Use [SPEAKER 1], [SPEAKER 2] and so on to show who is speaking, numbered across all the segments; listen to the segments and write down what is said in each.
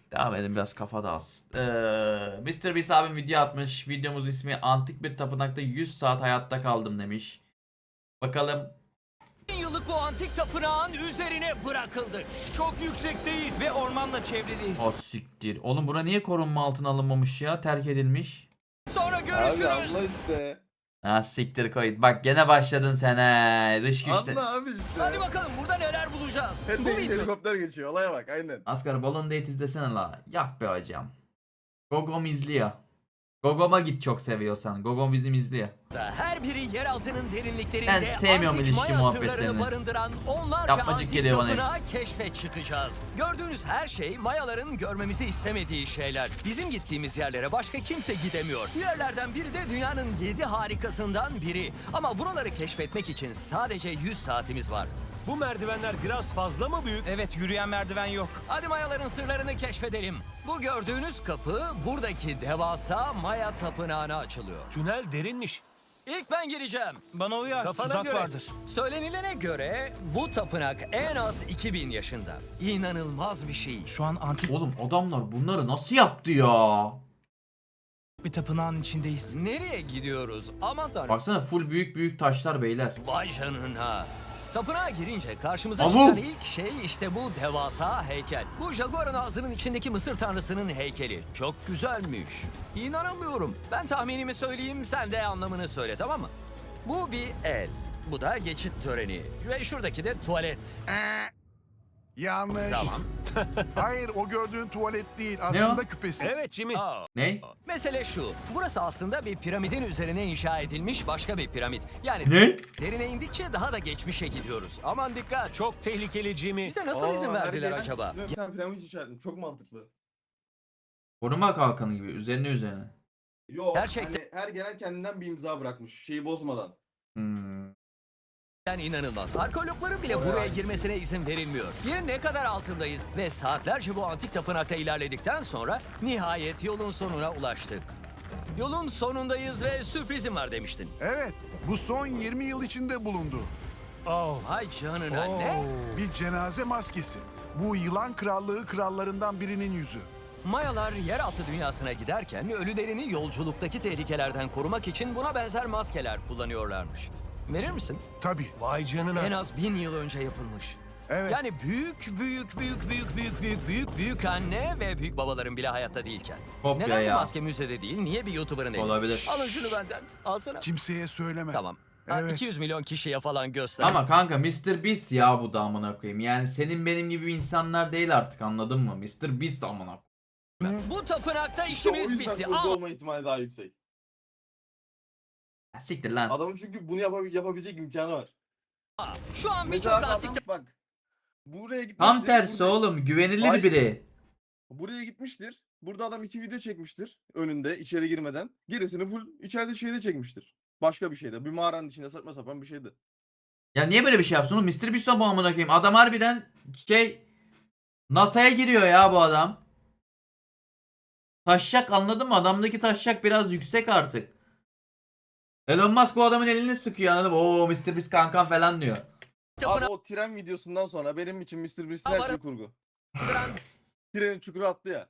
[SPEAKER 1] Devam edelim, biraz kafa dağılsın. Mr. Beast abim video atmış. Videomuz ismi Antik bir tapınakta 100 saat hayatta kaldım demiş. Bakalım.
[SPEAKER 2] 1000 yıllık bu antik tapınağın üzerine bırakıldık.
[SPEAKER 3] Çok yüksekteyiz ve ormanla çevriliyiz.
[SPEAKER 1] O siktir. Oğlum bura niye korunma altına alınmamış ya? Terk edilmiş.
[SPEAKER 2] Sonra
[SPEAKER 4] Abi
[SPEAKER 2] görüşürüz.
[SPEAKER 4] anla işte.
[SPEAKER 1] Ha siktir koy. Bak gene başladın sen he. Dış güçte.
[SPEAKER 4] Anla abi işte.
[SPEAKER 2] Hadi bakalım burada neler bulacağız.
[SPEAKER 4] Hep
[SPEAKER 2] Bu
[SPEAKER 4] de
[SPEAKER 2] video
[SPEAKER 4] helikopter geçiyor. Olaya bak aynen.
[SPEAKER 1] Asgari Balloon Date izlesene la. Yah be hocam. Gogom izliyor. Gogom'a git çok seviyorsan. Gogom bizim izliyor.
[SPEAKER 2] her biri yer altının derinliklerinde
[SPEAKER 1] Ben sevmiyorum
[SPEAKER 2] antik
[SPEAKER 1] ilişki
[SPEAKER 2] Maya
[SPEAKER 1] muhabbetlerini.
[SPEAKER 2] sırlarını barındıran onlarca
[SPEAKER 1] Yapmacık
[SPEAKER 2] antik
[SPEAKER 1] geliyor bana
[SPEAKER 2] tapınağı
[SPEAKER 1] hepsi.
[SPEAKER 2] keşfe çıkacağız. Gördüğünüz her şey Mayaların görmemizi istemediği şeyler. Bizim gittiğimiz yerlere başka kimse gidemiyor. Bu yerlerden biri de dünyanın 7 harikasından biri. Ama buraları keşfetmek için sadece 100 saatimiz var.
[SPEAKER 3] Bu merdivenler biraz fazla mı büyük? Evet, yürüyen merdiven yok.
[SPEAKER 2] Hadi Mayaların sırlarını keşfedelim. Bu gördüğünüz kapı buradaki devasa Maya tapınağına açılıyor.
[SPEAKER 3] Tünel derinmiş.
[SPEAKER 2] İlk ben gireceğim.
[SPEAKER 3] Bana uyar,
[SPEAKER 2] Kafana
[SPEAKER 3] tuzak
[SPEAKER 2] göre.
[SPEAKER 3] vardır.
[SPEAKER 2] Söylenilene göre bu tapınak en az 2000 yaşında. İnanılmaz bir şey.
[SPEAKER 3] Şu an antik
[SPEAKER 1] Oğlum adamlar bunları nasıl yaptı ya?
[SPEAKER 3] bir tapınağın içindeyiz.
[SPEAKER 2] Nereye gidiyoruz? Aman tanrım.
[SPEAKER 1] Baksana full büyük büyük taşlar beyler.
[SPEAKER 2] Vay canına. Tapınağa girince karşımıza
[SPEAKER 1] Abu.
[SPEAKER 2] çıkan ilk şey işte bu devasa heykel. Bu Jaguar'ın ağzının içindeki Mısır tanrısının heykeli. Çok güzelmiş. İnanamıyorum. Ben tahminimi söyleyeyim, sen de anlamını söyle, tamam mı? Bu bir el. Bu da geçit töreni. Ve şuradaki de tuvalet.
[SPEAKER 5] Yanlış.
[SPEAKER 2] Tamam.
[SPEAKER 5] Hayır, o gördüğün tuvalet değil.
[SPEAKER 1] o?
[SPEAKER 5] Aslında küpesi.
[SPEAKER 3] Evet Jimmy.
[SPEAKER 2] Aa.
[SPEAKER 1] Ne?
[SPEAKER 2] Mesele şu. Burası aslında bir piramidin üzerine inşa edilmiş başka bir piramit. Yani
[SPEAKER 1] Ne?
[SPEAKER 2] derine indikçe daha da geçmişe gidiyoruz. Aman dikkat.
[SPEAKER 3] Çok tehlikeli Jimmy.
[SPEAKER 2] Bize nasıl izin
[SPEAKER 4] Aa,
[SPEAKER 2] verdiler
[SPEAKER 4] her
[SPEAKER 2] acaba?
[SPEAKER 4] gelen- Sen piramit inşa ettin. Çok mantıklı.
[SPEAKER 1] Koruma kalkanı gibi üzerine.
[SPEAKER 4] Yok.
[SPEAKER 2] Gerçekten-
[SPEAKER 4] Hani her gelen kendinden bir imza bırakmış. Şeyi bozmadan.
[SPEAKER 1] Hmm.
[SPEAKER 2] Yani inanılmaz. Arkeologların bile
[SPEAKER 4] Oraya
[SPEAKER 2] buraya
[SPEAKER 4] ait.
[SPEAKER 2] girmesine izin verilmiyor. Yerin ne kadar altındayız ve saatlerce bu antik tapınakta ilerledikten sonra nihayet yolun sonuna ulaştık. Yolun sonundayız ve sürprizim var demiştin.
[SPEAKER 5] Evet, bu son 20 yıl içinde bulundu.
[SPEAKER 3] Oh.
[SPEAKER 2] Hay canına, ne?
[SPEAKER 5] Bir cenaze maskesi. Bu yılan krallığı krallarından birinin yüzü.
[SPEAKER 2] Mayalar yeraltı dünyasına giderken ölülerini yolculuktaki tehlikelerden korumak için buna benzer maskeler kullanıyorlarmış. Verir misin?
[SPEAKER 5] Tabii,
[SPEAKER 3] Vay canına.
[SPEAKER 2] En az 1000 yıl önce yapılmış.
[SPEAKER 5] evet.
[SPEAKER 2] Yani büyük anne ve büyük babaların bile hayatta değilken.
[SPEAKER 1] Kopya
[SPEAKER 2] Neden
[SPEAKER 1] ya.
[SPEAKER 2] bu maske müzede değil? Niye bir YouTuber'ın eli?
[SPEAKER 1] Olabilir.
[SPEAKER 2] Alın şunu benden. Alsana.
[SPEAKER 5] Kimseye söyleme.
[SPEAKER 2] Tamam.
[SPEAKER 5] Evet.
[SPEAKER 2] 200 milyon kişiye falan göster.
[SPEAKER 1] Ama kanka Mr. Beast ya bu da amına koyayım. Yani senin benim gibi insanlar değil artık, anladın mı? Mr. Beast amına koyayım.
[SPEAKER 2] Bu tapınakta
[SPEAKER 4] İşte o
[SPEAKER 2] işimiz
[SPEAKER 4] yüzden
[SPEAKER 2] bitti.
[SPEAKER 4] kurgu
[SPEAKER 2] Ama
[SPEAKER 4] olma ihtimali daha yüksek.
[SPEAKER 1] Siktir lan.
[SPEAKER 4] Adamın çünkü bunu yapabilecek imkanı var.
[SPEAKER 2] şu an
[SPEAKER 4] Mesela
[SPEAKER 2] birçok
[SPEAKER 4] abi
[SPEAKER 2] antik
[SPEAKER 4] adam bak. Buraya gitmiştir.
[SPEAKER 1] Tam tersi
[SPEAKER 4] burada-
[SPEAKER 1] oğlum, güvenilir
[SPEAKER 4] Hayır.
[SPEAKER 1] biri.
[SPEAKER 4] Buraya gitmiştir. Burada adam 2 video çekmiştir. Önünde içeri girmeden. Gerisini full içeride şeyde çekmiştir. Başka bir şeyde. Bir mağaranın içinde saçma sapan bir şeydi.
[SPEAKER 1] Ya niye böyle bir şey yapsın oğlum? Mr. Beast o bu amına koyayım. Adam harbiden NASA'ya giriyor ya bu adam. Taşacak, anladın mı? Adamdaki taşacak biraz yüksek artık. Elon Musk bu adamın elini sıkıyor, anladın mı? Oo Mr. Beast kankam falan diyor.
[SPEAKER 4] Abi
[SPEAKER 2] tapınağı
[SPEAKER 4] o tren videosundan sonra benim için Mr. Beast'in her şeyi kurgu.
[SPEAKER 2] barındıran
[SPEAKER 4] Trenin çukura attı ya.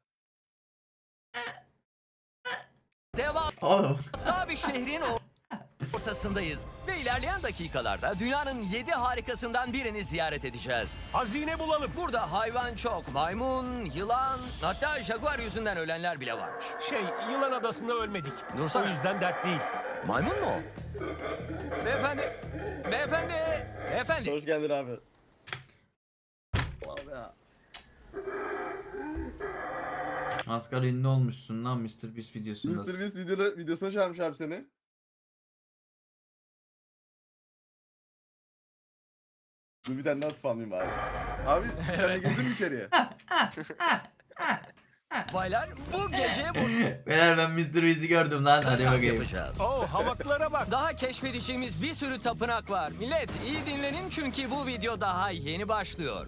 [SPEAKER 1] Oğlum.
[SPEAKER 2] devasa bir şehrin ortasındayız. Ve ilerleyen dakikalarda dünyanın 7 harikasından birini ziyaret edeceğiz.
[SPEAKER 3] Hazine bulalım.
[SPEAKER 2] Burada hayvan çok. Maymun, yılan, hatta jaguar yüzünden ölenler bile varmış.
[SPEAKER 3] Yılan adasında ölmedik.
[SPEAKER 2] Dursana.
[SPEAKER 3] O yüzden dert değil.
[SPEAKER 2] Maymun mu o? Beyefendi, beyefendi, beyefendi.
[SPEAKER 4] Hoş geldin abi. Abi ya.
[SPEAKER 1] Asgari ünlü olmuşsun lan Mr. Beast videosunda.
[SPEAKER 4] Mr. Beast videosuna çağırmış abi seni. Dur bir tane daha spamlayayım abi. Abi sen de girdin mi içeriye?
[SPEAKER 2] Baylar, bu gece bu
[SPEAKER 1] Beyler ben Mr. Beast'i gördüm lan, hadi
[SPEAKER 2] kamp
[SPEAKER 1] bakayım.
[SPEAKER 2] yapacağız.
[SPEAKER 3] Oh, hamaklara bak.
[SPEAKER 2] Daha keşfedeceğimiz bir sürü tapınak var. Millet iyi dinlenin çünkü bu video daha yeni başlıyor.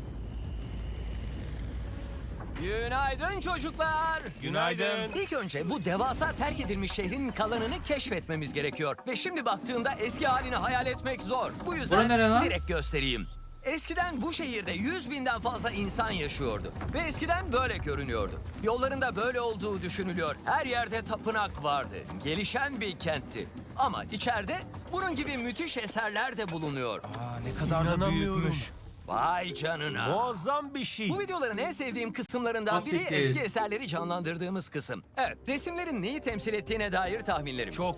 [SPEAKER 2] Günaydın çocuklar.
[SPEAKER 3] Günaydın.
[SPEAKER 2] İlk önce bu devasa terk edilmiş şehrin kalanını keşfetmemiz gerekiyor. Ve şimdi baktığımda eski halini hayal etmek zor. Bu
[SPEAKER 1] Bura
[SPEAKER 2] yüzden
[SPEAKER 1] nere lan?
[SPEAKER 2] direkt göstereyim. Eskiden bu şehirde 100.000'den fazla insan yaşıyordu. Ve eskiden böyle görünüyordu. Yollarında böyle olduğu düşünülüyor. Her yerde tapınak vardı. Gelişen bir kentti. Ama içeride bunun gibi müthiş eserler de bulunuyor.
[SPEAKER 3] Ne kadar da İnanamıyorum.
[SPEAKER 2] büyükmüş. Vay canına.
[SPEAKER 3] Muazzam bir şey.
[SPEAKER 2] Bu videoların en sevdiğim kısımlarından biri
[SPEAKER 1] Asiktir.
[SPEAKER 2] eski eserleri canlandırdığımız kısım. Evet, resimlerin neyi temsil ettiğine dair tahminlerimiz.
[SPEAKER 3] Çok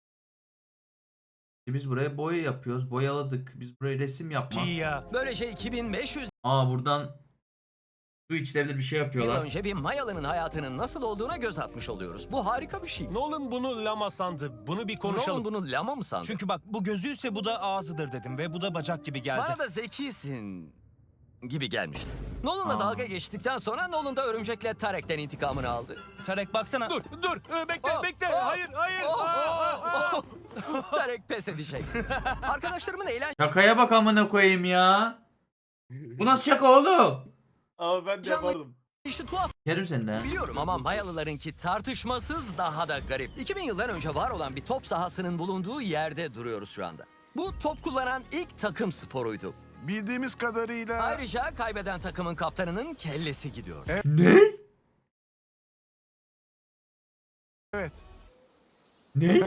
[SPEAKER 1] Biz buraya boya yapıyoruz. Boyaladık. Biz buraya resim yapmak.
[SPEAKER 3] iyi ya.
[SPEAKER 2] Böylece 2500
[SPEAKER 1] Aa buradan su içilebilir bir şey
[SPEAKER 2] yıl
[SPEAKER 1] yapıyorlar.
[SPEAKER 2] önce bir Mayalı'nın hayatının nasıl olduğuna göz atmış oluyoruz. Bu harika bir şey.
[SPEAKER 3] Nolan bunu lama sandı. Bunu bir konuşalım.
[SPEAKER 2] Nolan bunu lama mı sandı?
[SPEAKER 6] Çünkü bak bu gözüyse bu da ağzıdır dedim ve bu da bacak gibi geldi.
[SPEAKER 2] Bana da zekisin gibi gelmişti. Nolan'la
[SPEAKER 1] Aa.
[SPEAKER 2] dalga geçtikten sonra Nolan da örümcekle Tarek'ten intikamını aldı.
[SPEAKER 6] Tarek baksana.
[SPEAKER 3] Dur. Bekle.
[SPEAKER 2] Oh,
[SPEAKER 3] Bekle.
[SPEAKER 2] oh,
[SPEAKER 3] Hayır.
[SPEAKER 2] oh, Tarek pes edecek. Arkadaşlarımın
[SPEAKER 1] Şakaya bak amına koyayım ya. Bu nasıl şaka oğlum?
[SPEAKER 4] Ama ben de
[SPEAKER 2] Canlı-
[SPEAKER 4] yapardım.
[SPEAKER 2] eğlencesi tuhaf.
[SPEAKER 1] Kerim sen de.
[SPEAKER 2] Biliyorum ama Mayalılarınki tartışmasız daha da garip. 2000 yıldan önce var olan bir top sahasının bulunduğu yerde duruyoruz şu anda. Bu top kullanan ilk takım sporuydu.
[SPEAKER 5] Bildiğimiz kadarıyla
[SPEAKER 2] Ayrıca kaybeden takımın kaptanının kellesi gidiyor.
[SPEAKER 1] Ne?
[SPEAKER 5] evet.
[SPEAKER 1] Ne?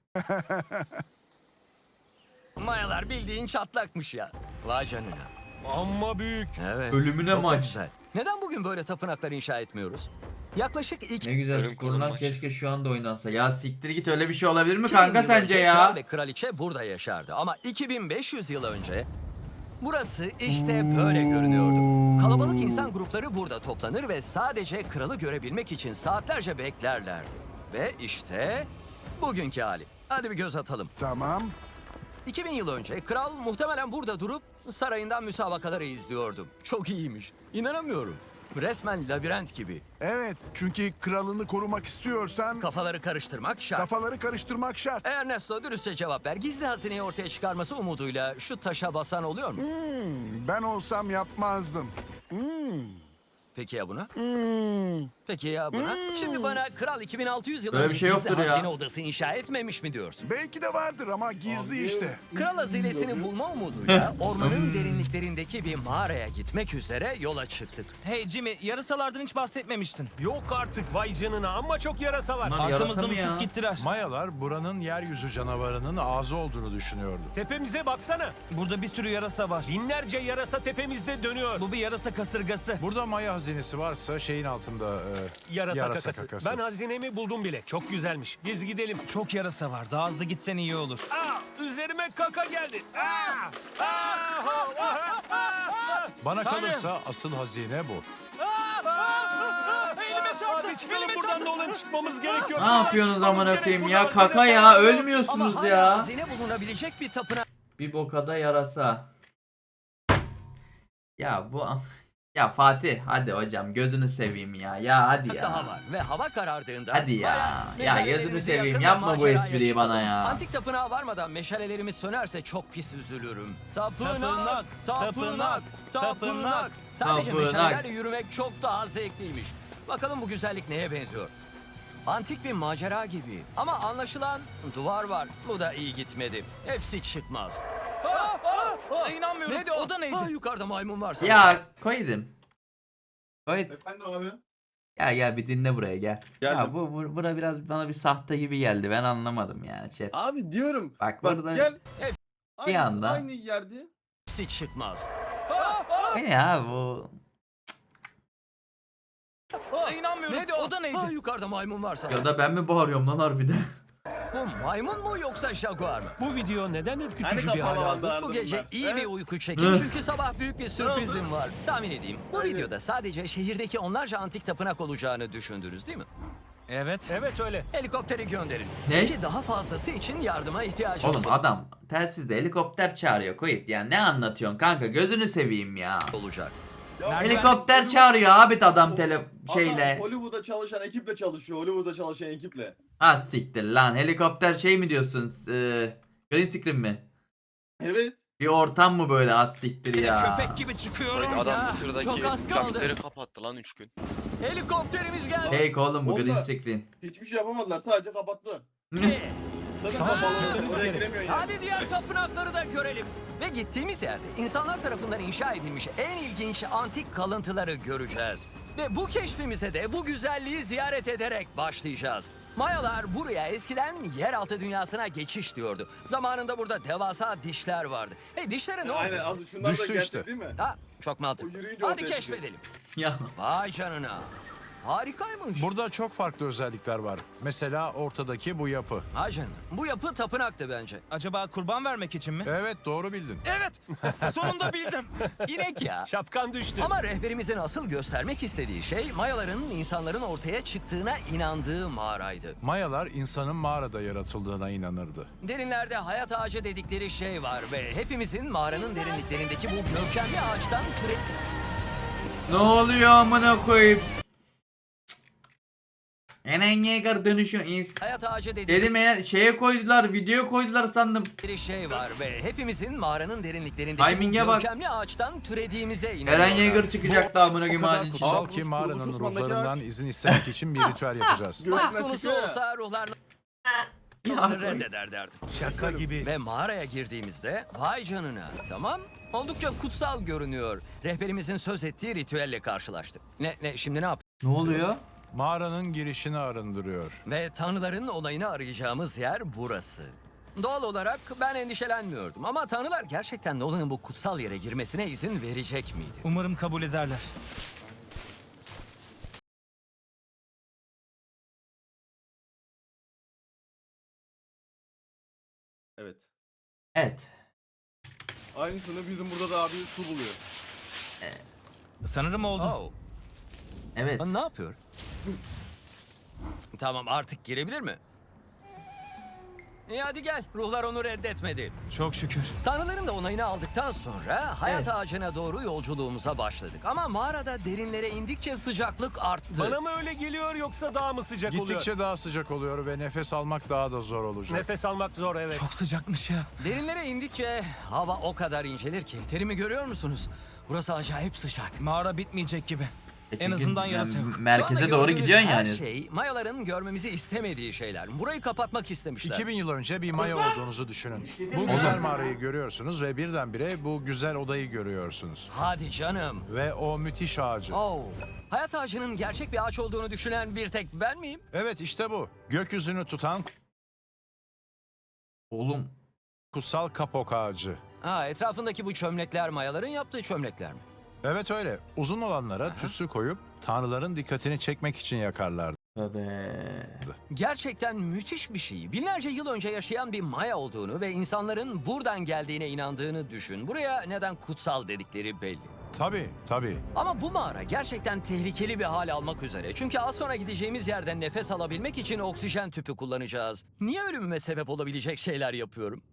[SPEAKER 2] Mayalar bildiğin çatlakmış ya. Vay canına.
[SPEAKER 3] Amma büyük.
[SPEAKER 2] Evet.
[SPEAKER 1] Ölümüne
[SPEAKER 2] çok da
[SPEAKER 1] maç.
[SPEAKER 2] güzel. Neden bugün böyle tapınaklar inşa etmiyoruz? Yaklaşık
[SPEAKER 1] Ne güzel
[SPEAKER 7] Ölüm
[SPEAKER 1] kurulan
[SPEAKER 7] kalım maç.
[SPEAKER 1] keşke şu anda oynansa. Ya siktir git öyle bir şey olabilir mi
[SPEAKER 2] 2000
[SPEAKER 1] kanka
[SPEAKER 2] yıl
[SPEAKER 1] sence
[SPEAKER 2] önce
[SPEAKER 1] ya?
[SPEAKER 2] Kral ve kraliçe burada yaşardı. Ama 2500 yıl önce burası işte böyle görünüyordu. Kalabalık insan grupları burada toplanır ve sadece kralı görebilmek için saatlerce beklerlerdi. Ve işte bugünkü hali. Hadi bir göz atalım.
[SPEAKER 5] Tamam.
[SPEAKER 2] 2000 yıl önce kral muhtemelen burada durup sarayından müsabakaları izliyordu. Çok iyiymiş. İnanamıyorum. Resmen labirent gibi.
[SPEAKER 5] Evet, çünkü kralını korumak istiyorsan
[SPEAKER 2] Kafaları karıştırmak şart.
[SPEAKER 5] kafaları karıştırmak şart.
[SPEAKER 2] Ernesto dürüstçe cevap ver. Gizli hazineyi ortaya çıkarması umuduyla şu taşa basan oluyor mu?
[SPEAKER 5] Ben olsam yapmazdım.
[SPEAKER 2] Peki ya buna? Peki ya buna? Şimdi bana kral 2600 yıl
[SPEAKER 1] Böyle
[SPEAKER 2] önce
[SPEAKER 1] bir şey
[SPEAKER 2] gizli
[SPEAKER 1] yoktur ya.
[SPEAKER 2] hazine odası inşa etmemiş mi diyorsun?
[SPEAKER 5] Belki de vardır ama gizli işte.
[SPEAKER 2] Kral hazinesini bulma umuduyla ormanın derinliklerindeki bir mağaraya gitmek üzere yola çıktık.
[SPEAKER 6] Hey Jimmy, yarısalardan hiç bahsetmemiştin.
[SPEAKER 3] Yok artık vay canına. Amma çok yarasa var.
[SPEAKER 1] Bunlar yarasa
[SPEAKER 6] Arkamızdan
[SPEAKER 1] mı ya?
[SPEAKER 6] uçup gittiler.
[SPEAKER 8] Mayalar buranın yeryüzü canavarının ağzı olduğunu düşünüyordu.
[SPEAKER 3] Tepemize baksana.
[SPEAKER 6] Burada bir sürü yarasa var.
[SPEAKER 3] Binlerce yarasa tepemizde dönüyor.
[SPEAKER 6] Bu bir yarasa kasırgası.
[SPEAKER 8] Burada Maya hazinesi varsa şeyin altında
[SPEAKER 3] Yarasa kakası. Ben hazinemi buldum bile. Çok güzelmiş. Biz gidelim.
[SPEAKER 6] Çok yarasa var. Daha hızlı gitsen iyi olur.
[SPEAKER 3] Üzerime kaka geldi.
[SPEAKER 8] Bana kalırsa asıl hazine bu.
[SPEAKER 3] Elime çarptı. Hadi çıkalım buradan Nolan çıkmamız gerekiyor.
[SPEAKER 1] Ne yapıyorsunuz amına koyayım ya?
[SPEAKER 3] Buradan
[SPEAKER 1] Kaka ya
[SPEAKER 2] Ama
[SPEAKER 1] ölmüyorsunuz
[SPEAKER 2] hala
[SPEAKER 1] ya.
[SPEAKER 2] hazine bulunabilecek bir tapınak
[SPEAKER 1] Bir bokada yarasa. Ya bu ya Fatih hadi hocam gözünü seveyim ya. Ya hadi ya.
[SPEAKER 2] daha var. Ve hava karardığında...
[SPEAKER 1] Hadi ya.
[SPEAKER 2] bayağı
[SPEAKER 1] Ya gözünü
[SPEAKER 2] meşalelerimizi
[SPEAKER 1] seveyim,
[SPEAKER 2] yakın ve
[SPEAKER 1] yapma bu
[SPEAKER 2] maceraya
[SPEAKER 1] espriyi
[SPEAKER 2] çıkalım.
[SPEAKER 1] bana ya.
[SPEAKER 2] Antik tapınağa varmadan meşalelerimiz sönerse çok pis üzülürüm. Tapınak,
[SPEAKER 6] Tapınak,
[SPEAKER 2] tapınak, tapınak.
[SPEAKER 6] tapınak.
[SPEAKER 2] Sadece
[SPEAKER 1] Tapınak.
[SPEAKER 2] meşalelerle yürümek çok daha zevkliymiş. Bakalım bu güzellik neye benziyor? Antik bir macera gibi. Ama anlaşılan duvar var. Bu da iyi gitmedi. Hepsi çıkmaz.
[SPEAKER 6] İnanmıyorum.
[SPEAKER 2] Neydi
[SPEAKER 6] O da neydi?
[SPEAKER 2] Yukarıda maymun var sanırım.
[SPEAKER 1] Ya koydum. Koyt.
[SPEAKER 4] Efendim abi.
[SPEAKER 1] Gel bir dinle buraya gel. Ya
[SPEAKER 4] Geldim.
[SPEAKER 1] bura biraz bana bir sahte gibi geldi. Ben anlamadım yani chat.
[SPEAKER 4] Abi diyorum.
[SPEAKER 1] Bak
[SPEAKER 4] Bak
[SPEAKER 1] burada
[SPEAKER 4] gel.
[SPEAKER 2] Evet.
[SPEAKER 4] Aynısı,
[SPEAKER 1] anda-
[SPEAKER 4] Aynı yerde.
[SPEAKER 2] Hepsi çıkmaz.
[SPEAKER 1] ne ya bu?
[SPEAKER 6] İnanmıyorum.
[SPEAKER 2] Neydi
[SPEAKER 6] O da neydi?
[SPEAKER 2] Yukarıda maymun var sanırım.
[SPEAKER 1] Ya da ben mi bağırıyorum lan harbiden?
[SPEAKER 2] Bu maymun mu yoksa jaguar mı?
[SPEAKER 3] Bu video neden ürkütücü
[SPEAKER 4] Hani
[SPEAKER 3] bir hal
[SPEAKER 4] kapalı
[SPEAKER 3] aldı?
[SPEAKER 4] vardı
[SPEAKER 2] Bu gece
[SPEAKER 4] ardından.
[SPEAKER 2] iyi bir
[SPEAKER 4] Evet.
[SPEAKER 2] uyku çekin çünkü sabah büyük bir sürprizim var. Tahmin edeyim. Bu
[SPEAKER 4] Aynen.
[SPEAKER 2] videoda sadece şehirdeki onlarca antik tapınak olacağını düşündünüz değil mi?
[SPEAKER 6] Evet.
[SPEAKER 3] Evet öyle.
[SPEAKER 2] Helikopteri gönderin.
[SPEAKER 1] Ne?
[SPEAKER 2] Çünkü daha fazlası için yardıma ihtiyacımız
[SPEAKER 1] Oğlum adam telsizde helikopter çağırıyor koyup ya ne anlatıyorsun kanka gözünü seveyim ya.
[SPEAKER 2] olacak.
[SPEAKER 4] Ya
[SPEAKER 1] Helikopter
[SPEAKER 4] ben-
[SPEAKER 1] çağırıyor abi adam
[SPEAKER 4] Adam
[SPEAKER 1] şeyle.
[SPEAKER 4] Hollywood'da çalışan ekiple çalışıyor. Hollywood'da çalışan ekiple.
[SPEAKER 1] Ha siktir lan helikopter şey mi diyorsun? Green screen mi?
[SPEAKER 4] Evet.
[SPEAKER 1] Bir ortam mı böyle az siktir ya.
[SPEAKER 6] Köpek gibi çıkıyorum
[SPEAKER 7] Bak
[SPEAKER 6] ya.
[SPEAKER 7] adam
[SPEAKER 2] çok
[SPEAKER 7] Mısır'daki
[SPEAKER 2] az kaldı.
[SPEAKER 7] trafikleri kapattı lan 3 gün.
[SPEAKER 2] Helikopterimiz geldi.
[SPEAKER 1] Fake oğlum bu
[SPEAKER 4] Onda-
[SPEAKER 1] green screen.
[SPEAKER 4] Hiçbir şey yapamadılar. Sadece kapattılar.
[SPEAKER 1] Ne?
[SPEAKER 4] Zaten
[SPEAKER 3] Tamam,
[SPEAKER 4] balon
[SPEAKER 3] gitmemiz
[SPEAKER 4] oraya
[SPEAKER 3] gerek.
[SPEAKER 4] giremiyorsun yani.
[SPEAKER 2] Hadi diğer tapınakları da görelim. Ve gittiğimiz yerde insanlar tarafından inşa edilmiş en ilginç antik kalıntıları göreceğiz. Ve bu keşfimize de bu güzelliği ziyaret ederek başlayacağız. Mayalar buraya eskiden yeraltı dünyasına geçiş diyordu. Zamanında burada devasa dişler vardı. Hey, dişlere ne oldu?
[SPEAKER 4] Aynen az şunlar da
[SPEAKER 8] Düştü
[SPEAKER 4] gerçek
[SPEAKER 8] işte.
[SPEAKER 4] değil mi?
[SPEAKER 2] Ha, çok
[SPEAKER 4] O
[SPEAKER 2] mantıklı.
[SPEAKER 4] yürüyünce
[SPEAKER 2] Hadi
[SPEAKER 4] ortaya çıkıyor.
[SPEAKER 2] keşfedelim.
[SPEAKER 1] Ya
[SPEAKER 2] Vay canına. Harikaymış.
[SPEAKER 8] Burada çok farklı özellikler var. Mesela ortadaki bu yapı.
[SPEAKER 2] Vay canına. Bu yapı tapınaktı bence.
[SPEAKER 6] Acaba kurban vermek için mi?
[SPEAKER 8] Evet, doğru bildin.
[SPEAKER 6] Evet. Sonunda bildim.
[SPEAKER 2] İnek ya.
[SPEAKER 3] Şapkan düştü.
[SPEAKER 2] Ama rehberimizin asıl göstermek istediği şey Mayaların insanların ortaya çıktığına inandığı mağaraydı.
[SPEAKER 8] Mayalar insanın mağarada yaratıldığına inanırdı.
[SPEAKER 2] Derinlerde hayat ağacı dedikleri şey var ve hepimizin mağaranın derinliklerindeki bu görkemli ağaçtan türe...
[SPEAKER 1] ne oluyor amına koyayım? Eren Yeager dönüşüyor.
[SPEAKER 2] Hayat ağacı dedikleri
[SPEAKER 1] Dedim eğer şeye koydular, video koydular sandım.
[SPEAKER 2] şey var ve hepimizin mağaranın derinliklerindeki
[SPEAKER 1] Timing'e
[SPEAKER 2] bu
[SPEAKER 1] bak.
[SPEAKER 2] görkemli ağaçtan türediğimize inanıyorlar.
[SPEAKER 1] Eren Yeager çıkacaktı amına
[SPEAKER 8] O
[SPEAKER 1] koyayım.
[SPEAKER 8] kadar
[SPEAKER 1] halin.
[SPEAKER 8] kutsal
[SPEAKER 4] Aa,
[SPEAKER 8] ki
[SPEAKER 4] Rus-
[SPEAKER 8] mağaranın
[SPEAKER 4] Rus Osman'daki
[SPEAKER 8] ruhlarından
[SPEAKER 4] ağaç.
[SPEAKER 8] izin istemek için bir ritüel yapacağız.
[SPEAKER 2] Söz
[SPEAKER 4] Göğsünden
[SPEAKER 2] konusu
[SPEAKER 4] çıkıyor ya.
[SPEAKER 2] olsa ruhlar
[SPEAKER 1] Ya.
[SPEAKER 2] onu reddeder derdim.
[SPEAKER 3] Şaka gibi.
[SPEAKER 2] Ve mağaraya girdiğimizde vay canına, tamam, oldukça kutsal görünüyor. Rehberimizin söz ettiği ritüelle karşılaştık. Şimdi ne yap?
[SPEAKER 1] Ne oluyor?
[SPEAKER 8] Mağaranın girişini arındırıyor.
[SPEAKER 2] Ve tanrıların onayını arayacağımız yer burası. Doğal olarak ben endişelenmiyordum ama tanrılar gerçekten Nolan'ın bu kutsal yere girmesine izin verecek miydi?
[SPEAKER 6] Umarım kabul ederler.
[SPEAKER 4] Evet.
[SPEAKER 1] Evet.
[SPEAKER 4] Aynısını bizim burada da abi su buluyor.
[SPEAKER 6] Sanırım oldu.
[SPEAKER 2] Oh,
[SPEAKER 1] Evet.
[SPEAKER 2] ne yapıyor? Tamam, artık girebilir mi? İyi, hadi gel. Ruhlar onu reddetmedi.
[SPEAKER 6] Çok şükür.
[SPEAKER 2] Tanrıların da onayını aldıktan sonra hayat
[SPEAKER 1] Evet.
[SPEAKER 2] ağacına doğru yolculuğumuza başladık. Ama mağarada derinlere indikçe sıcaklık arttı.
[SPEAKER 3] Bana mı öyle geliyor yoksa daha mı sıcak oluyor?
[SPEAKER 8] Gittikçe daha sıcak oluyor ve nefes almak daha da zor olacak.
[SPEAKER 3] Nefes almak zor, evet.
[SPEAKER 6] Çok sıcakmış ya.
[SPEAKER 2] Derinlere indikçe hava o kadar incelir ki. Terimi görüyor musunuz? Burası acayip sıcak.
[SPEAKER 6] Mağara bitmeyecek gibi. En
[SPEAKER 1] Çünkü
[SPEAKER 6] azından
[SPEAKER 1] yani
[SPEAKER 6] yarası yok.
[SPEAKER 2] Şu anda
[SPEAKER 1] merkeze doğru
[SPEAKER 2] gördüğünüz
[SPEAKER 1] gidiyorsun
[SPEAKER 2] her
[SPEAKER 1] yani.
[SPEAKER 2] şey Mayaların görmemizi istemediği şeyler. Burayı kapatmak istemişler.
[SPEAKER 8] 2000 yıl önce bir Maya olduğunuzu düşünün. Bu güzel mağarayı görüyorsunuz ve birdenbire bu güzel odayı görüyorsunuz.
[SPEAKER 2] Hadi canım.
[SPEAKER 8] Ve o müthiş ağacı.
[SPEAKER 2] Oh. Hayat ağacının gerçek bir ağaç olduğunu düşünen bir tek ben miyim?
[SPEAKER 8] Evet, işte bu. Gökyüzünü tutan
[SPEAKER 1] Oğlum
[SPEAKER 8] kutsal kapok ağacı.
[SPEAKER 2] Ha, etrafındaki bu çömlekler Mayaların yaptığı çömlekler mi?
[SPEAKER 8] Evet öyle. Uzun olanlara tütsü koyup tanrıların dikkatini çekmek için yakarlardı.
[SPEAKER 1] tövbe.
[SPEAKER 2] Gerçekten müthiş bir şey. Binlerce yıl önce yaşayan bir Maya olduğunu ve insanların buradan geldiğine inandığını düşün. Buraya neden kutsal dedikleri belli.
[SPEAKER 8] Tabii.
[SPEAKER 2] Ama bu mağara gerçekten tehlikeli bir hal almak üzere. Çünkü az sonra gideceğimiz yerden nefes alabilmek için oksijen tüpü kullanacağız. Niye ölümüme sebep olabilecek şeyler yapıyorum?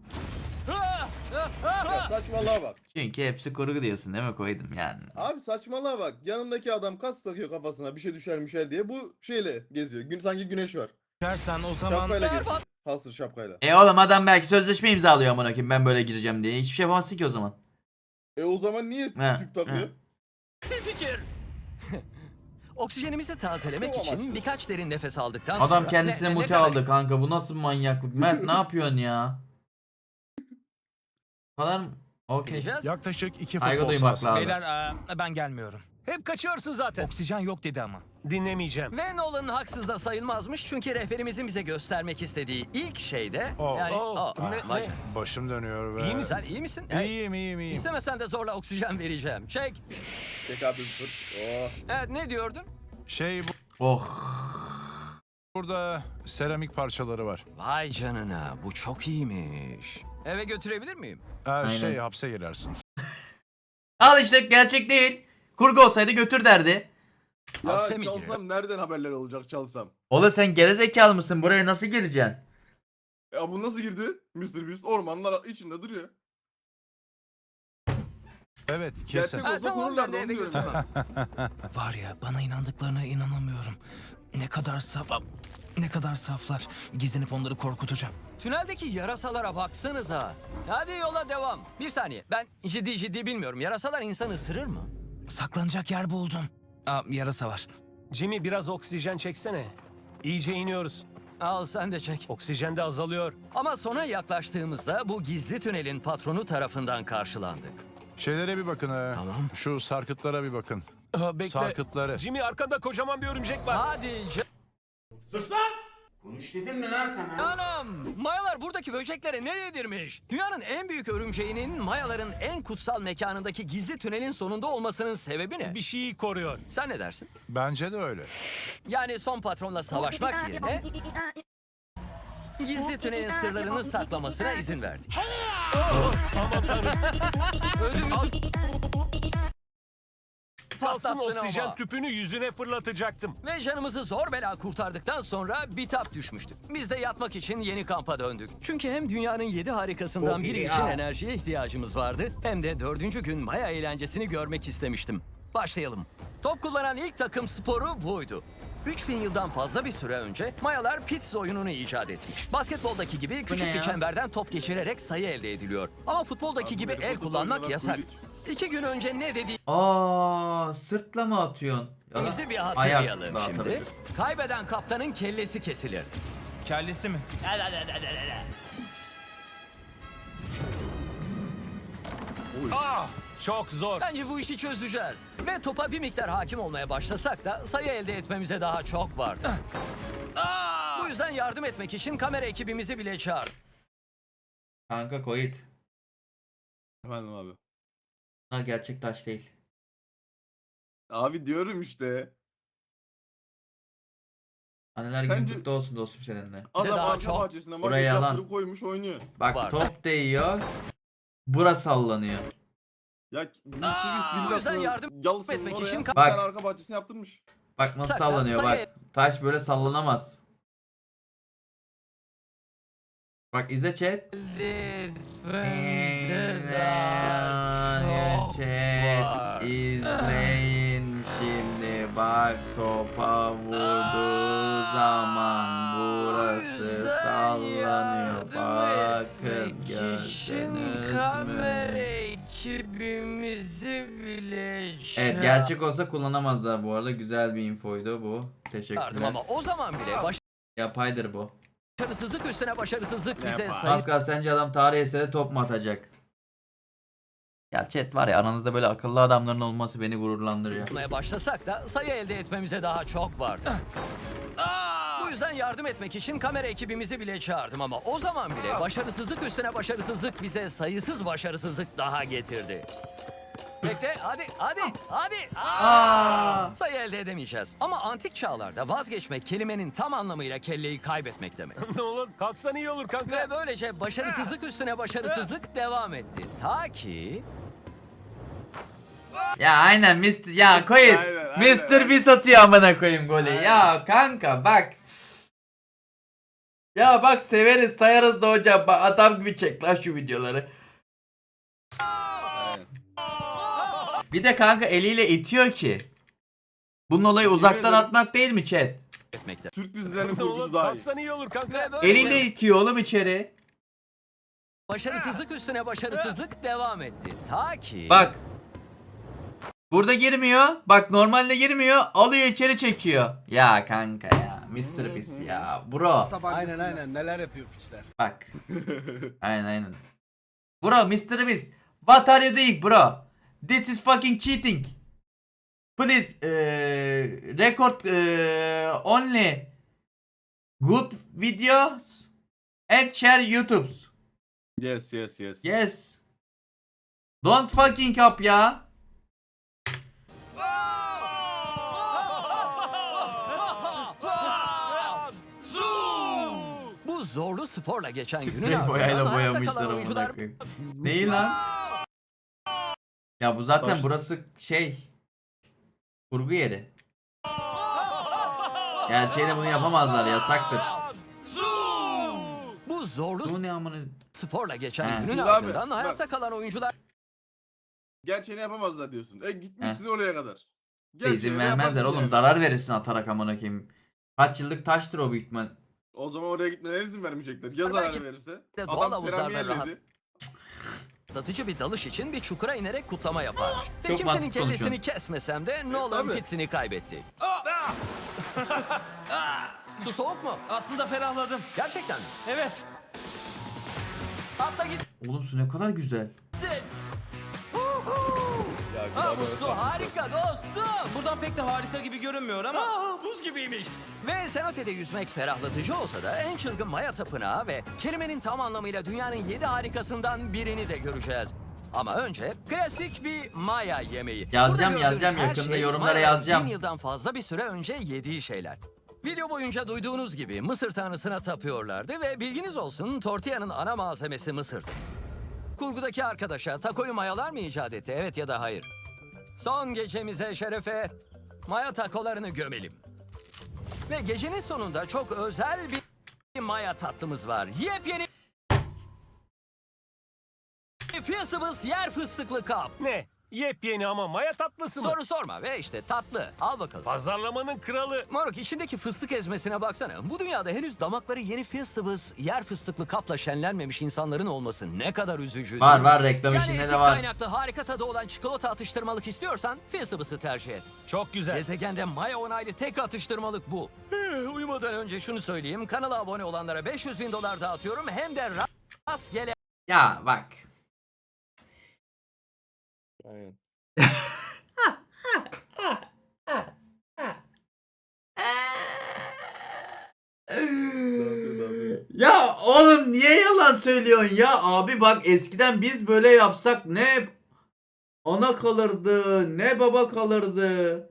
[SPEAKER 4] Ya saçmalığa bak.
[SPEAKER 1] Çünkü hepsi kurgu diyorsun değil mi koydum yani.
[SPEAKER 4] Abi saçmalığa bak. Yanındaki adam kas takıyor kafasına bir şey düşer diye bu şeyle geziyor. Sanki güneş var.
[SPEAKER 6] Dersen o zaman
[SPEAKER 4] Şapkayla geziyor.
[SPEAKER 2] Berbat.
[SPEAKER 4] Hasır şapkayla.
[SPEAKER 1] Oğlum adam belki sözleşme imzalıyor amına koyayım ben böyle gireceğim diye. Hiçbir şey yapamazsın ki o zaman.
[SPEAKER 4] O zaman niye
[SPEAKER 1] He,
[SPEAKER 4] tüp takıyor?
[SPEAKER 2] Bir fikir. Oksijenimizi tazelemek
[SPEAKER 4] Bu
[SPEAKER 2] için
[SPEAKER 4] amaçlı.
[SPEAKER 2] birkaç derin nefes aldıktan sonra...
[SPEAKER 1] Adam kendisine
[SPEAKER 2] Ne
[SPEAKER 1] muti
[SPEAKER 2] kadar-
[SPEAKER 1] aldı kanka. Bu nasıl bir manyaklık? Mert ne yapıyorsun ya? Kadar mı? Okey.
[SPEAKER 2] Gideceğiz.
[SPEAKER 8] Yaklaşık 2
[SPEAKER 1] Saygı
[SPEAKER 8] futbol
[SPEAKER 1] duymak
[SPEAKER 8] sahası.
[SPEAKER 1] lazım.
[SPEAKER 6] beyler ben gelmiyorum.
[SPEAKER 3] Hep kaçıyorsun zaten.
[SPEAKER 6] Oksijen yok dedi ama.
[SPEAKER 3] Dinlemeyeceğim.
[SPEAKER 2] Ve Nolan haksız da sayılmazmış çünkü rehberimizin bize göstermek istediği ilk şey de...
[SPEAKER 8] Oh.
[SPEAKER 2] Yani,
[SPEAKER 3] Oh,
[SPEAKER 2] oh,
[SPEAKER 3] ne-
[SPEAKER 2] vay
[SPEAKER 3] ne?
[SPEAKER 2] canına.
[SPEAKER 8] Başım dönüyor ve...
[SPEAKER 3] İyi misin?
[SPEAKER 2] Sen iyi misin? Hey,
[SPEAKER 8] İyiyim.
[SPEAKER 2] İstemesen de zorla oksijen vereceğim. Çek.
[SPEAKER 4] Çek abi zırt. Oh.
[SPEAKER 2] Evet, ne diyordun?
[SPEAKER 1] Oh.
[SPEAKER 8] Burada seramik parçaları var.
[SPEAKER 2] Vay canına, bu çok iyiymiş. Eve götürebilir miyim?
[SPEAKER 1] Aynen.
[SPEAKER 8] Hapse girersin.
[SPEAKER 1] Al işte gerçek değil. Kurgu olsaydı götür derdi.
[SPEAKER 4] Ya
[SPEAKER 2] Hapse mi
[SPEAKER 4] çalsam
[SPEAKER 2] giriyor?
[SPEAKER 4] nereden haberler olacak çalsam?
[SPEAKER 1] Oğlum sen gerizekalı mısın? Buraya nasıl gireceksin?
[SPEAKER 4] Ya bu nasıl girdi? Mr. Beast ormanlar içinde duruyor.
[SPEAKER 8] Evet, kesin.
[SPEAKER 4] Gerçek
[SPEAKER 2] Ha,
[SPEAKER 4] olsa
[SPEAKER 2] tamam,
[SPEAKER 4] kururlardı
[SPEAKER 2] ben de
[SPEAKER 4] onu
[SPEAKER 2] eve
[SPEAKER 4] diyorum.
[SPEAKER 2] götürmem.
[SPEAKER 6] Var ya bana inandıklarına inanamıyorum. Ne kadar ne kadar saflar. Gizlenip onları korkutacağım.
[SPEAKER 2] Tüneldeki yarasalara baksanıza. Hadi yola devam. Bir saniye, ben ciddi bilmiyorum. Yarasalar insanı ısırır mı?
[SPEAKER 6] Saklanacak yer buldum. Yarasa var.
[SPEAKER 3] Jimmy biraz oksijen çeksene. İyice iniyoruz.
[SPEAKER 2] Al sen de çek.
[SPEAKER 3] Oksijen de azalıyor.
[SPEAKER 2] Ama sona yaklaştığımızda bu gizli tünelin patronu tarafından karşılandık.
[SPEAKER 8] Şeylere bir bakın.
[SPEAKER 2] Tamam.
[SPEAKER 8] Şu sarkıtlara bir bakın.
[SPEAKER 3] Bekle.
[SPEAKER 8] Sarkıtları.
[SPEAKER 3] Jimmy arkanda kocaman bir örümcek var.
[SPEAKER 2] Hadi
[SPEAKER 7] Konuş dedim mi lan sana?
[SPEAKER 2] Anam! Mayalar buradaki böceklere ne yedirmiş? Dünyanın en büyük örümceğinin Mayaların en kutsal mekanındaki gizli tünelin sonunda olmasının sebebi ne?
[SPEAKER 3] Bir şeyi koruyor.
[SPEAKER 2] Sen ne dersin?
[SPEAKER 8] Bence de öyle.
[SPEAKER 2] Yani son patronla savaşmak yerine gizli tünelin sırlarını saklamasına izin verdik.
[SPEAKER 3] Aman tanrım.
[SPEAKER 2] Ödümüzü
[SPEAKER 3] Kalsın
[SPEAKER 2] patlattın
[SPEAKER 3] oksijen
[SPEAKER 2] ama.
[SPEAKER 3] tüpünü yüzüne fırlatacaktım.
[SPEAKER 2] Ve canımızı zor bela kurtardıktan sonra bitap düşmüştük. Biz de yatmak için yeni kampa döndük. Çünkü hem dünyanın 7 harikasından biri için enerjiye ihtiyacımız vardı, hem de 4. gün Maya eğlencesini görmek istemiştim. Başlayalım. Top kullanan ilk takım sporu buydu. 3000 yıldan fazla bir süre önce Mayalar pits oyununu icat etmiş. Basketboldaki gibi küçük
[SPEAKER 1] ne
[SPEAKER 2] bir
[SPEAKER 1] ya?
[SPEAKER 2] çemberden top geçirerek sayı elde ediliyor. Ama futboldaki gibi el kullanmak yasak. 2 gün önce ne
[SPEAKER 1] Aa, sırtla mı atıyorsun? Ya da
[SPEAKER 2] dediğimizi bir
[SPEAKER 1] ayak
[SPEAKER 2] hatırlayalım
[SPEAKER 1] da
[SPEAKER 2] şimdi.
[SPEAKER 1] atabilirsin.
[SPEAKER 2] Kaybeden kaptanın kellesi kesilir.
[SPEAKER 6] Kellesi mi?
[SPEAKER 3] Çok zor.
[SPEAKER 2] Bence bu işi çözeceğiz. Ve topa bir miktar hakim olmaya başlasak da sayı elde etmemize daha çok vardı. Bu yüzden yardım etmek için kamera ekibimizi bile çağırdık.
[SPEAKER 1] Kanka koyut.
[SPEAKER 4] Efendim abi.
[SPEAKER 1] Bunlar gerçek taş değil.
[SPEAKER 4] Abi diyorum işte.
[SPEAKER 1] Anneler
[SPEAKER 4] Sence-
[SPEAKER 1] günü kutlu olsun dostum seninle.
[SPEAKER 4] Adam
[SPEAKER 2] daha
[SPEAKER 4] arka
[SPEAKER 2] çok-
[SPEAKER 4] bahçesine
[SPEAKER 1] Buraya
[SPEAKER 4] maket
[SPEAKER 1] yalan.
[SPEAKER 4] yaptırıp koymuş oynuyor.
[SPEAKER 1] Bak
[SPEAKER 2] Var.
[SPEAKER 1] top değiyor. Bura sallanıyor.
[SPEAKER 4] Ya Mr.
[SPEAKER 2] Bu yüzden yardım
[SPEAKER 4] Yalısının
[SPEAKER 2] etmek
[SPEAKER 4] oraya
[SPEAKER 2] için
[SPEAKER 4] bir
[SPEAKER 2] ka-
[SPEAKER 4] tane
[SPEAKER 1] Bak.
[SPEAKER 4] arka bahçesine yaptırmış.
[SPEAKER 1] Bak nasıl
[SPEAKER 2] Sakla,
[SPEAKER 1] sallanıyor
[SPEAKER 2] sayı-
[SPEAKER 1] bak. Taş böyle sallanamaz. Bak izle chat. Chat izleyin şimdi bak topa vurduğu zaman burası sallanıyor. Bakın gördünüz mü?
[SPEAKER 2] ekibimizi bile
[SPEAKER 1] Evet gerçek olsa kullanamazlar bu arada. Güzel bir infoydu bu. Teşekkürler.
[SPEAKER 2] ama o zaman bile
[SPEAKER 1] Yapaydır bu.
[SPEAKER 2] başarısızlık üstüne başarısızlık bize
[SPEAKER 4] Yapar.
[SPEAKER 2] sayı
[SPEAKER 1] Pascal sence adam tarih eseri top mu atacak? Ya chat var ya aranızda böyle akıllı adamların olması beni gururlandırıyor.
[SPEAKER 2] yapmaya başlasak da sayı elde etmemize daha çok vardı. Bu yüzden yardım etmek için kamera ekibimizi bile çağırdım ama o zaman bile başarısızlık üstüne başarısızlık bize sayısız başarısızlık daha getirdi. Bekle hadi. Sayı elde edemeyeceğiz. Ama antik çağlarda vazgeçmek kelimenin tam anlamıyla kelleyi kaybetmek demek.
[SPEAKER 3] Ne olur kalksan iyi olur kanka.
[SPEAKER 2] Ve böylece başarısızlık üstüne başarısızlık devam etti. Ta ki
[SPEAKER 1] Ya aynen Mr. Ya koyun.
[SPEAKER 4] Aynen,
[SPEAKER 1] Mr. Beast atıyor amına koyayım golü. Ya kanka bak. Ya bak severiz sayarız da hocam. Bak, adam gibi çek lan şu videoları.
[SPEAKER 4] Aynen.
[SPEAKER 1] Bir de kanka eliyle itiyor ki. Bunun olayı uzaktan
[SPEAKER 4] ederim.
[SPEAKER 1] atmak değil mi chat?
[SPEAKER 2] etmekte.
[SPEAKER 4] Türk dizilerinin
[SPEAKER 3] Ne olur
[SPEAKER 4] kurgusu daha iyi.
[SPEAKER 3] kalksan iyi olur kanka.
[SPEAKER 2] Ve böylece
[SPEAKER 1] Eliyle itiyor oğlum içeri.
[SPEAKER 2] başarısızlık üstüne başarısızlık devam etti. Ta ki
[SPEAKER 1] Bak. Burada girmiyor. Bak normalde girmiyor. Alıyor içeri çekiyor. Ya kanka ya. Mr. Beast ya. Bro.
[SPEAKER 7] Aynen neler yapıyor pisler.
[SPEAKER 1] Bak. aynen. Bro Mr. Beast. What are you doing bro? This is fucking cheating. Please record only good videos and share YouTube's.
[SPEAKER 4] Yes.
[SPEAKER 1] Yes. Don't fucking up ya.
[SPEAKER 2] bu zorlu sporla geçen günün
[SPEAKER 1] Sprey
[SPEAKER 2] ardından
[SPEAKER 1] boyayla
[SPEAKER 2] hayatta
[SPEAKER 1] boyamışlar
[SPEAKER 2] kalan
[SPEAKER 1] amına
[SPEAKER 2] oyuncular
[SPEAKER 1] koyayım. Neyi lan? Ya bu zaten
[SPEAKER 4] Taş.
[SPEAKER 1] burası şey kurgu yeri. Gerçeğinde bunu yapamazlar yasaktır.
[SPEAKER 2] bu zorlu
[SPEAKER 1] Bu ne amına?
[SPEAKER 2] sporla geçen
[SPEAKER 1] He.
[SPEAKER 2] günün
[SPEAKER 4] Şimdi abi,
[SPEAKER 2] ardından
[SPEAKER 4] bak.
[SPEAKER 2] hayatta kalan oyuncular
[SPEAKER 4] Gerçeğini yapamazlar diyorsun. Gitmişsin oraya kadar.
[SPEAKER 1] İzin
[SPEAKER 4] Gerçeğini
[SPEAKER 1] vermezler
[SPEAKER 4] yaparsın
[SPEAKER 1] oğlum
[SPEAKER 4] yani.
[SPEAKER 1] zarar verirsin atarak amına koyayım. Kaç yıllık taştır o büyük ihtimal.
[SPEAKER 4] O zaman oraya gitmelerine izin vermeyecekler. Ya
[SPEAKER 2] Belki
[SPEAKER 4] zarar verirse.
[SPEAKER 2] de doğal
[SPEAKER 4] Adam
[SPEAKER 2] havuzlarda
[SPEAKER 4] seramiğe
[SPEAKER 2] rahat-
[SPEAKER 4] elledi.
[SPEAKER 2] atlatıcı bir dalış için bir çukura inerek kutlama yaparmış. Ve
[SPEAKER 1] Çok
[SPEAKER 2] kimsenin
[SPEAKER 1] mantıklı
[SPEAKER 2] kellesini
[SPEAKER 1] konuşuyorsun.
[SPEAKER 2] kesmesem de Nolan
[SPEAKER 4] tabii.
[SPEAKER 2] pitsini kaybetti. Su soğuk mu?
[SPEAKER 6] Aslında ferahladım.
[SPEAKER 2] Gerçekten mi?
[SPEAKER 6] Evet.
[SPEAKER 2] Atla gitsin.
[SPEAKER 1] Oğlum su ne kadar güzel.
[SPEAKER 2] Ha, bu su harika dostum.
[SPEAKER 6] Buradan pek de harika gibi görünmüyor ama...
[SPEAKER 2] Buz gibiymiş. Ve Cenote'de yüzmek ferahlatıcı olsa da en çılgın Maya tapınağı ve kelimenin tam anlamıyla dünyanın 7 harikasından birini de göreceğiz. Ama önce klasik bir Maya yemeği.
[SPEAKER 1] Yazacağım,
[SPEAKER 2] Burada gördüğünüz
[SPEAKER 1] yazacağım.
[SPEAKER 2] her
[SPEAKER 1] Yakında
[SPEAKER 2] şey
[SPEAKER 1] yorumlara
[SPEAKER 2] Maya'nın
[SPEAKER 1] yazacağım.
[SPEAKER 2] 1000 yıldan fazla bir süre önce yediği şeyler. Video boyunca duyduğunuz gibi Mısır tanrısına tapıyorlardı ve bilginiz olsun tortillanın ana malzemesi mısırdı. Kurgudaki arkadaşa takoyu mayalar mı icat etti? Evet ya da hayır. Son gecemize şerefe Maya takolarını gömelim. Ve gecenin sonunda çok özel bir Maya tatlımız var. Yepyeni Fiestables yer fıstıklı kap.
[SPEAKER 3] Ne? Yepyeni ama maya tatlısı mı?
[SPEAKER 2] Soru sorma ve işte tatlı. Al bakalım.
[SPEAKER 3] Pazarlamanın kralı.
[SPEAKER 2] Moruk içindeki fıstık ezmesine baksana. Bu dünyada henüz damakları yeni Fiestables yer fıstıklı kapla şenlenmemiş insanların olması ne kadar üzücü.
[SPEAKER 1] Var
[SPEAKER 2] değil mi?
[SPEAKER 1] var, reklam
[SPEAKER 2] Yani
[SPEAKER 1] işinde
[SPEAKER 2] etik
[SPEAKER 1] de var.
[SPEAKER 2] kaynaklı harika tadı olan çikolata atıştırmalık istiyorsan Fiestables'ı tercih et.
[SPEAKER 3] Çok güzel.
[SPEAKER 2] Gezegende Maya onaylı tek atıştırmalık bu. Uyumadan önce şunu söyleyeyim. Kanala abone olanlara $500.000 dağıtıyorum. Hem de rastgele
[SPEAKER 1] Ya bak.
[SPEAKER 4] Aynen.
[SPEAKER 1] Ya oğlum niye yalan söylüyorsun ya? Abi bak eskiden biz böyle yapsak ne ana kalırdı ne baba kalırdı.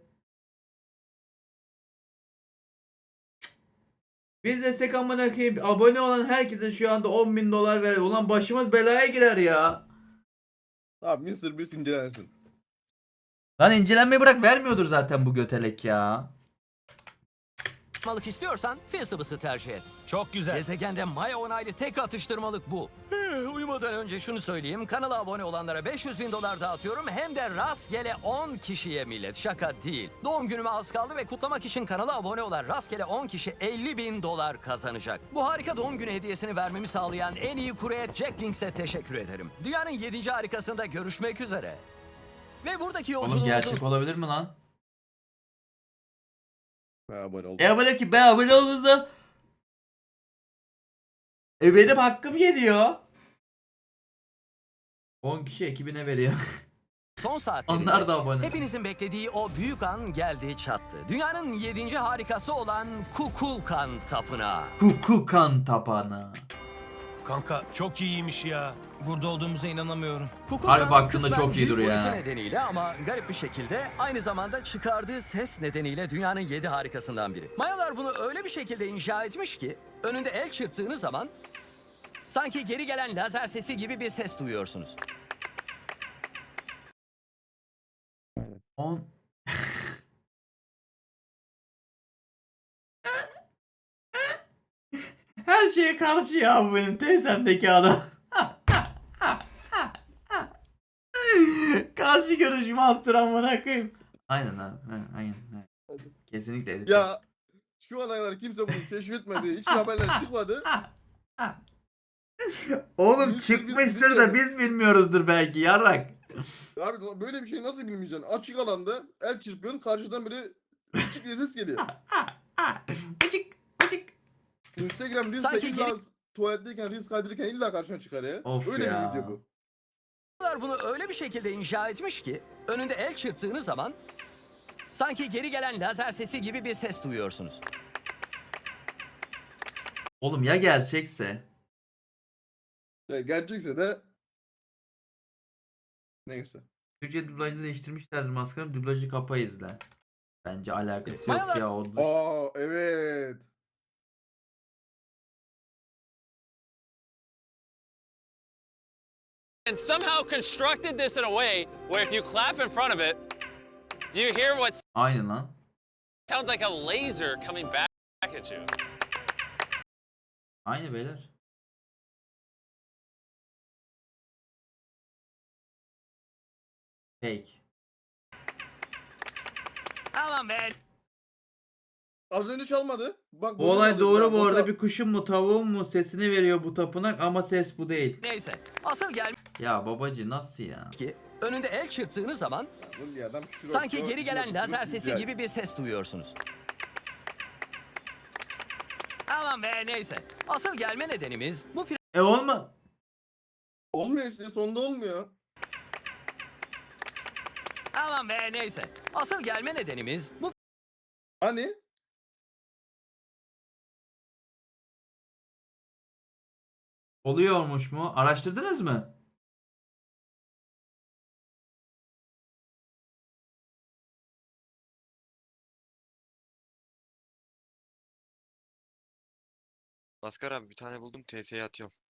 [SPEAKER 1] Biz desek amına koyayım abone olan herkese şu anda $10.000 ver. Ulan başımız belaya girer ya.
[SPEAKER 4] Abi Mr. Beast incelensin.
[SPEAKER 1] Lan incelenmeyi bırak vermiyordur zaten bu götelek ya.
[SPEAKER 2] atıştırmalık istiyorsan Fiestables'ı tercih et.
[SPEAKER 3] Çok güzel.
[SPEAKER 2] Gezegende Maya onaylı tek atıştırmalık bu. Uyumadan önce şunu söyleyeyim. Kanala abone olanlara $500.000 dağıtıyorum. Hem de rastgele 10 kişiye millet. Şaka değil. Doğum günüme az kaldı ve kutlamak için kanala abone olan rastgele 10 kişi $50.000 kazanacak. Bu harika doğum günü hediyesini vermemi sağlayan en iyi kurye Jack Links'e teşekkür ederim. Dünyanın 7. harikasında görüşmek üzere. Ve buradaki
[SPEAKER 1] Oğlum
[SPEAKER 2] yolculuğumuzun
[SPEAKER 1] gerçek olabilir mi lan?
[SPEAKER 4] Ha, abone ol.
[SPEAKER 1] Abone ki ben abone olduğumda benim hakkım geliyor. 10 kişi ekibine veriyor.
[SPEAKER 2] son saatlerinde
[SPEAKER 1] Onlar da abone.
[SPEAKER 2] hepinizin beklediği o büyük an geldi çattı. Dünyanın 7. harikası olan Kukulkan Tapınağı.
[SPEAKER 1] Kukukan tapana.
[SPEAKER 3] Kanka çok iyiymiş ya.
[SPEAKER 6] Burada olduğumuza inanamıyorum.
[SPEAKER 2] Kukulkan
[SPEAKER 1] Harbi hakkında
[SPEAKER 2] kısmen
[SPEAKER 1] çok iyi
[SPEAKER 2] büyük
[SPEAKER 1] duruyor
[SPEAKER 2] boyutu
[SPEAKER 1] ya.
[SPEAKER 2] nedeniyle ama garip bir şekilde aynı zamanda çıkardığı ses nedeniyle dünyanın 7 harikasından biri. Mayalar bunu öyle bir şekilde inşa etmiş ki önünde el çırptığınız zaman sanki geri gelen lazer sesi gibi bir ses duyuyorsunuz.
[SPEAKER 1] 10 Her şeye karşı ya bu benim teyzemdeki adam. Karşı görüşüm astır amına koyayım. Aynen abi. Aynen. Kesinlikle edit.
[SPEAKER 4] Ya şu ana kadar kimse bunu keşfetmedi. Hiç haberler çıkmadı.
[SPEAKER 1] Oğlum
[SPEAKER 4] Biz
[SPEAKER 1] çıkmıştır da biz bilmiyoruzdur belki yarrak.
[SPEAKER 4] Abi böyle bir şey nasıl bilmeyeceksin? Açık alanda el çırpıyorsun, karşıdan biri çık diye ses geliyor.
[SPEAKER 1] Bıcık bıcık.
[SPEAKER 4] Instagram Reels'te
[SPEAKER 2] Sanki
[SPEAKER 4] illa tuvaletteyken Reels kaydırırken illa karşına çıkar ya.
[SPEAKER 1] Of
[SPEAKER 4] Öyle
[SPEAKER 1] ya.
[SPEAKER 4] bir video bu.
[SPEAKER 2] Mayalar bunu öyle bir şekilde inşa etmiş ki önünde el çırptığınız zaman sanki geri gelen lazer sesi gibi bir ses duyuyorsunuz.
[SPEAKER 1] Oğlum ya gerçekse?
[SPEAKER 4] Ya gerçekse de neyse.
[SPEAKER 1] Türkçe dublajını değiştirmişlerdir maskarım. Dublajı kapa izle. Bence alakası yok
[SPEAKER 2] Mayalar-
[SPEAKER 1] ya. O
[SPEAKER 4] Aa evet.
[SPEAKER 9] And somehow constructed this in a way where if you clap in front of it, you hear what
[SPEAKER 1] Aynen lan.
[SPEAKER 9] sounds like a laser coming back at you.
[SPEAKER 1] Aynı beyler. Fake.
[SPEAKER 2] Aman be.
[SPEAKER 4] Az önce çalmadı. Bak
[SPEAKER 1] Bu olay doğru bu arada,
[SPEAKER 4] burada.
[SPEAKER 1] bir kuşun mu tavuğun mu sesini veriyor bu tapınak ama ses bu değil.
[SPEAKER 2] Neyse. Asıl gelmiş
[SPEAKER 1] Ya babacı nasıl ya?
[SPEAKER 2] ki önünde el çırptığınız zaman
[SPEAKER 4] Bu diye adam şurada-
[SPEAKER 2] sanki geri gelen
[SPEAKER 4] şurada-
[SPEAKER 2] lazer
[SPEAKER 4] şurada-
[SPEAKER 2] sesi gibi bir ses duyuyorsunuz. Aman be neyse. Asıl gelme nedenimiz bu
[SPEAKER 1] Olma.
[SPEAKER 4] Olmuyor işte, sonunda olmuyor.
[SPEAKER 2] Aman be neyse. Asıl gelme nedenimiz bu
[SPEAKER 4] Hani?
[SPEAKER 1] Oluyormuş mu? Araştırdınız mı?
[SPEAKER 10] Maskar abi bir tane buldum TS'ye atıyorum.